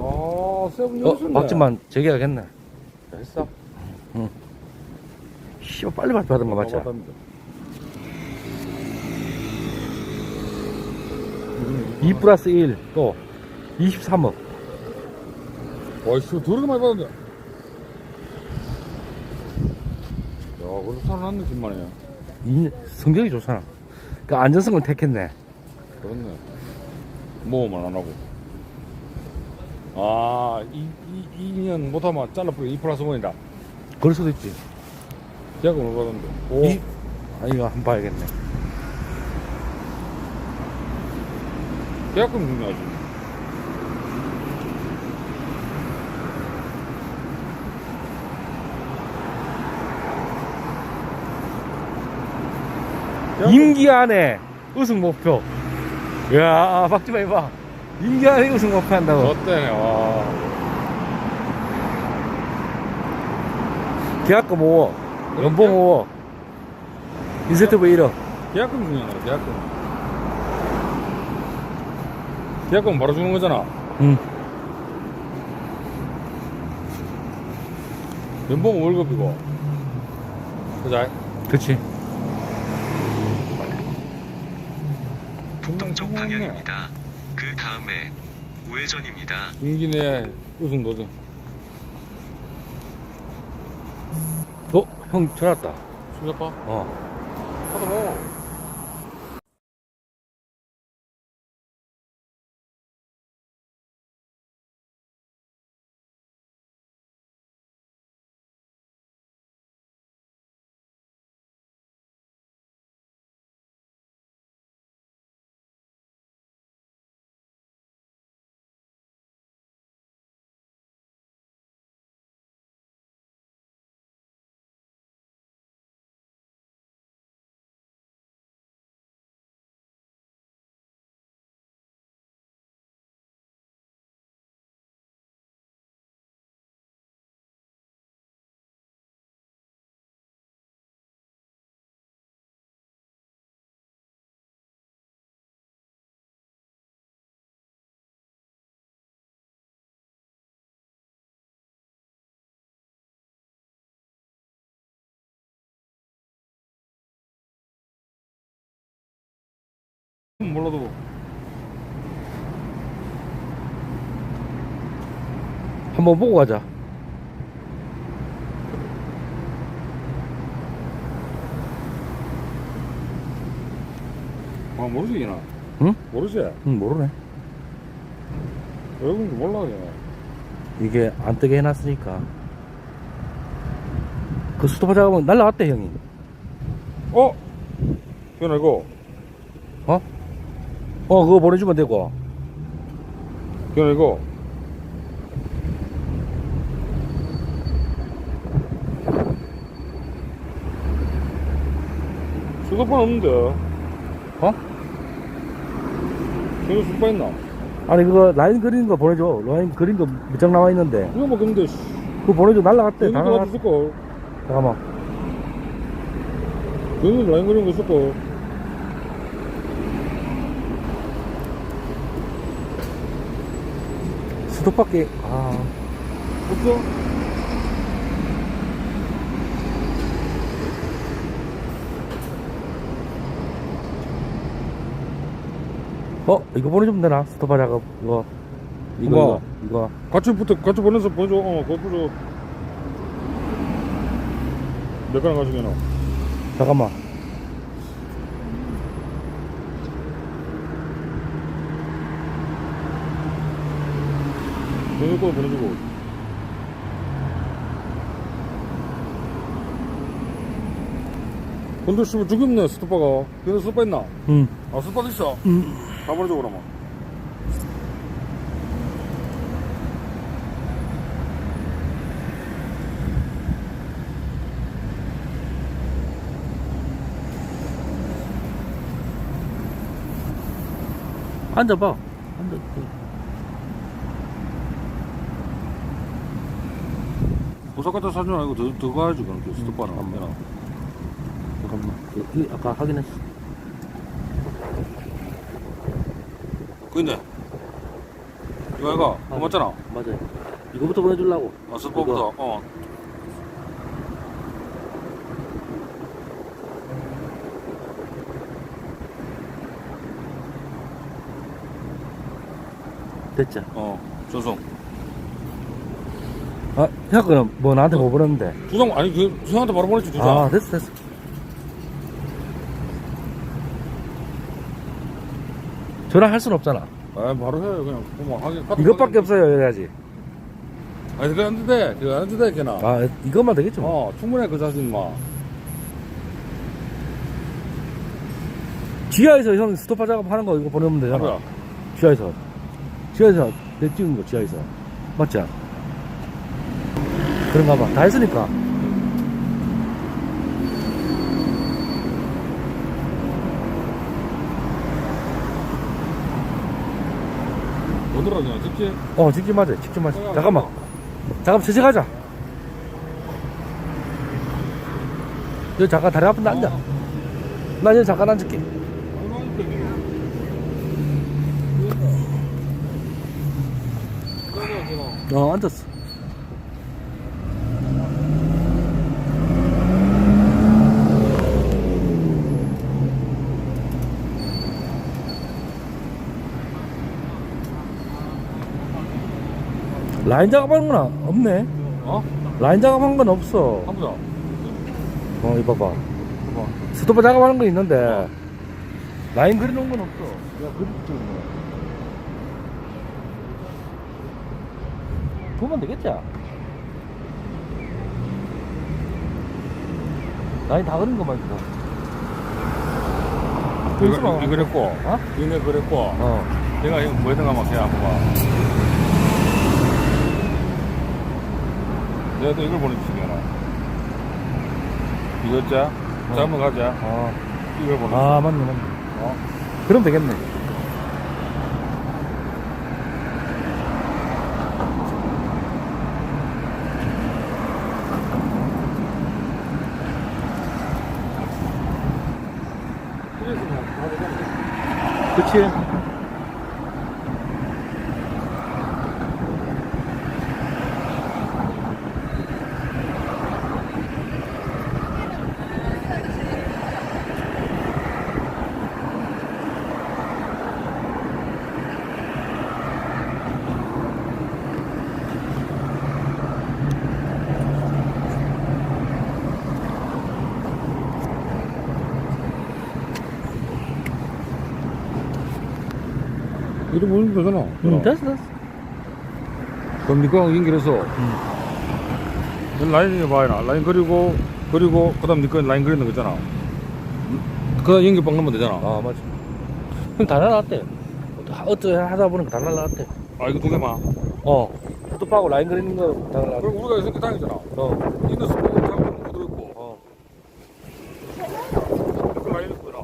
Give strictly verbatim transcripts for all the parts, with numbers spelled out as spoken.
아, 세븐 어, 연수네. 박지만 재계약했네. 했어? 응. 씨발, 빨리 받- 받은 거 맞지? 이 플러스 일, 또, 이십삼억. 와, 씨, 더럽게 많이 받았네. 야, 그래도 살아났네, 김만이야. 이, 성적이 좋잖아. 그 안전성을 택했네. 그렇네. 모험을 안 하고. 아, 이, 이, 이 년 못하면 잘라버리고 이 플러스 원이다. 그럴 수도 있지. 계약금을 받았는데. 오. 이, 아, 이거 한번 봐야겠네. 계약금 중요하지. 임기 안에 우승 목표. 이야, 박지만 해봐. 임기 안에 우승 목표 한다고. 어때, 와. 계약금 오억, 연봉 오억, 인센티브 일억. 계약금 중요하네, 계약금. 계약금 바로 주는 거잖아. 응. 연봉은 월급이고. 그자? 그치. 북동쪽 방향입니다. 그 다음에 우회전입니다. 임기 내에 우승 도전. 어? 형 전화 왔다. 신작봐? 어. 하다 뭐. 몰라도. 한번 보고 가자. 아, 모르지, 이나. 응? 모르지? 응, 모르네. 외국인도 몰라, 그냥. 이게 안 뜨게 해놨으니까. 그 스토퍼 작업은 날라갔대, 형이. 어? 현아, 이거. 어? 어, 그거 보내주면 되고. 현아, 이거. 수도판 없는데. 어? 현아 수도판 있나? 아니, 그거 라인 그리는 거 보내줘. 라인 그린 거 몇 장 나와 있는데. 이거 뭐 근데, 씨. 그거 보내줘. 날라갔대. 다 여기도 날라... 가도 있을걸. 잠깐만. 여기도 라인 그리는 거 있을걸. 스토퍼밖에, 아. 없어? 어? 이거 보내주면 되나? 스토퍼 작업. 이거. 이거, 뭐? 이거. 이거. 같이 붙어, 같이 보내서 보내줘. 어, 그거 보내줘. 몇 가랑 가지고 나. 잠깐만. 보내줄 거 보내주고. 근데 씨발 죽였네, 스토퍼가. 근데 스토퍼 있나? 응. 아, 스토퍼 있어? 응. 다 보내줘, 그러면. 앉아봐. 앉아. 오사카타 사준 아니고 더, 더 가야지, 그럼. 그 스토퍼는. 음, 음, 잠깐만. 이 아까 확인했어. 근데, 이거 이거 그거 맞잖아. 맞아요. 이거부터 보내주려고. 어, 스포부터. 어. 됐죠. 어. 전송. 아, 형 거는 뭐 나한테 못 보냈는데. 두장 아니 그 형한테 바로 보냈지 두 장. 아, 됐어, 됐어. 전화할 순 없잖아. 아 바로 해요 그냥. 뭐 하긴 카톡 이것밖에 하긴. 없어요, 이래야지. 아니 그거 안 돼. 그거 안 돼. 걔나. 아, 이것만 되겠죠. 뭐. 어 충분해 그 자신 뭐. 지하에서 형 스토파 작업하는 거 이거 보내면 되잖아. 뭐야? 지하에서. 지하에서 내 찍은 거, 지하에서. 맞지? 그런가 봐. 다 했으니까. 오늘아 그냥 직지. 어, 직접 맞아. 직접 맞아. 잠깐만. 잠깐만, 천천히 가자. 여기 잠깐 다리 아픈데 앉아. 나 여기 잠깐 앉을게. 어, 앉았어. 라인 작업하는 건 없네. 어? 라인 작업한 건 없어. 한번 더. 어, 이거 봐봐. 봐봐. 스토퍼 작업하는 건 있는데, 라인 그려놓은 건 없어. 야, 그려놓은 거. 보면 되겠지? 라인 다 그린 것만 있어. 이거 이거 그랬고. 어? 이거 그랬고. 어. 내가 이거 뭐 했던가 막 그냥 한번 봐. 내가 또 이걸 보내주시잖아. 이거 자. 자, 한번 가자. 어. 이걸 보내. 아, 맞네, 맞네. 어? 그럼 되겠네. 그치? 이거 보는 거잖아. 응, 됐어, 됐어. 그럼 니꺼 연결해서. 응. 라인 봐야 라인 그리고, 그리고, 그 다음 니꺼 라인 그리는 거 있잖아. 그 연결 방 넣으면 되잖아. 아, 맞아. 형 다 날라갔대. 어떻게 하다 보니까 다 날라갔대. 아, 이거 두 개만. 어. 스토파하고 라인 그리는 거 다 날라갔대. 그럼 우리가 이렇게 다니잖아. 어. 이거 스포츠 잡으면 묻어 있고. 어. 그 라인 있구나.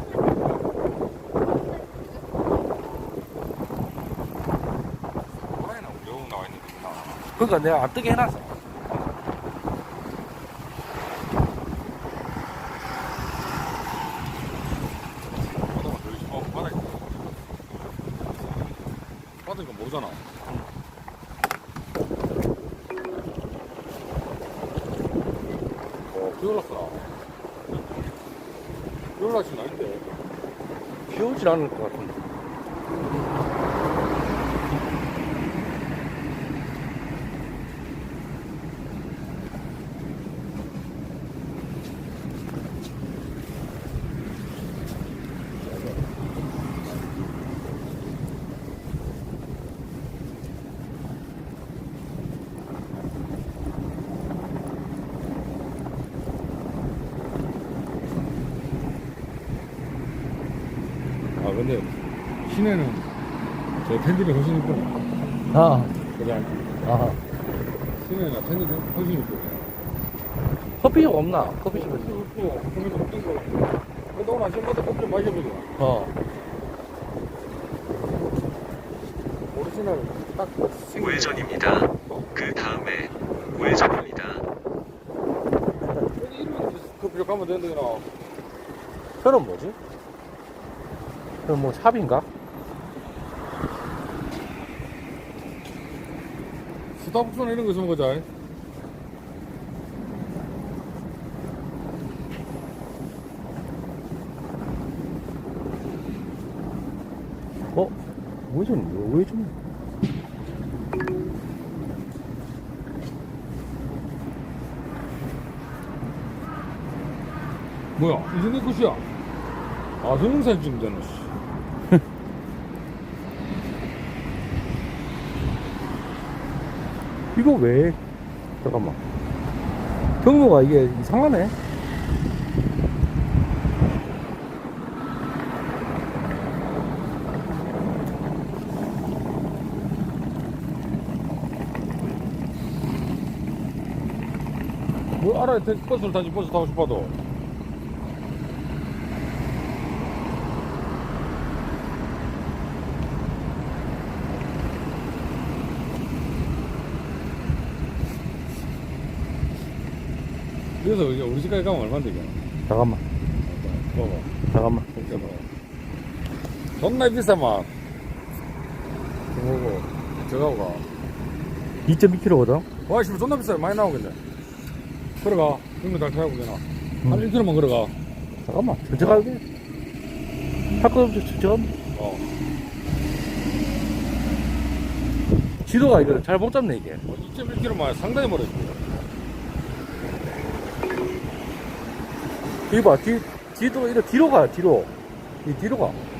라인은 영웅 나와 있는 거구나. 그러니까 내가 안 뜨게 해놨어. 바닥만 들리지. 어, 바닥. 바닥이니까 모르잖아. 어, 비 올랐어. 비 올랐진 아닌데. 비 오진 않을 것 같은데. 아, 근데 시내는 저 텐들이 훨씬 이쁘네. 아, 그냥 아. 시내나 텐들이 훨씬 이쁘네. 커피숍 없나? 커피숍에서. 이쁘고, 거기서 웃긴 거. 근데 오늘 아침부터 커피 좀 마셔보자. 어. 오리지널 딱 생긴 우회전입니다. 그 다음에 우회전입니다. 여기 이름은 커피숍 가면 되는데, 나. 저는 뭐지? 그럼 뭐 샵인가? 스타벅스나 이런 거 있으면 거자. 어? 우회전, 우회전. 뭐야? 이제 내 것이야. 아, 동영상 찍으면 되나, 씨. 이거 왜? 잠깐만. 경로가 이게 이상하네. 뭐 알아야 돼. 버스를 타지, 버스 타고 싶어도. 그래서 이제 우리 집까지 가면 얼마인데, 이게? 잠깐만. 봐봐. 잠깐만. 진짜 봐. 존나 비싸만. 뭐고, 저거고 가. 이 점 이 킬로미터거든? 와, 씨, 존나 비싸요. 많이 나오겠네. 걸어가. 이거 다 타고 되나? 음. 한 일 킬로미터만 걸어가. 잠깐만. 천천히 가야 돼. 할 거 없어, 천천히. 어. 지도가 이거 잘 못 잡네, 이게. 이 점 일 킬로미터만 상당히 멀어지. 이거 봐, 뒤, 뒤도, 이거 뒤로 가, 뒤로. 이 뒤로 가.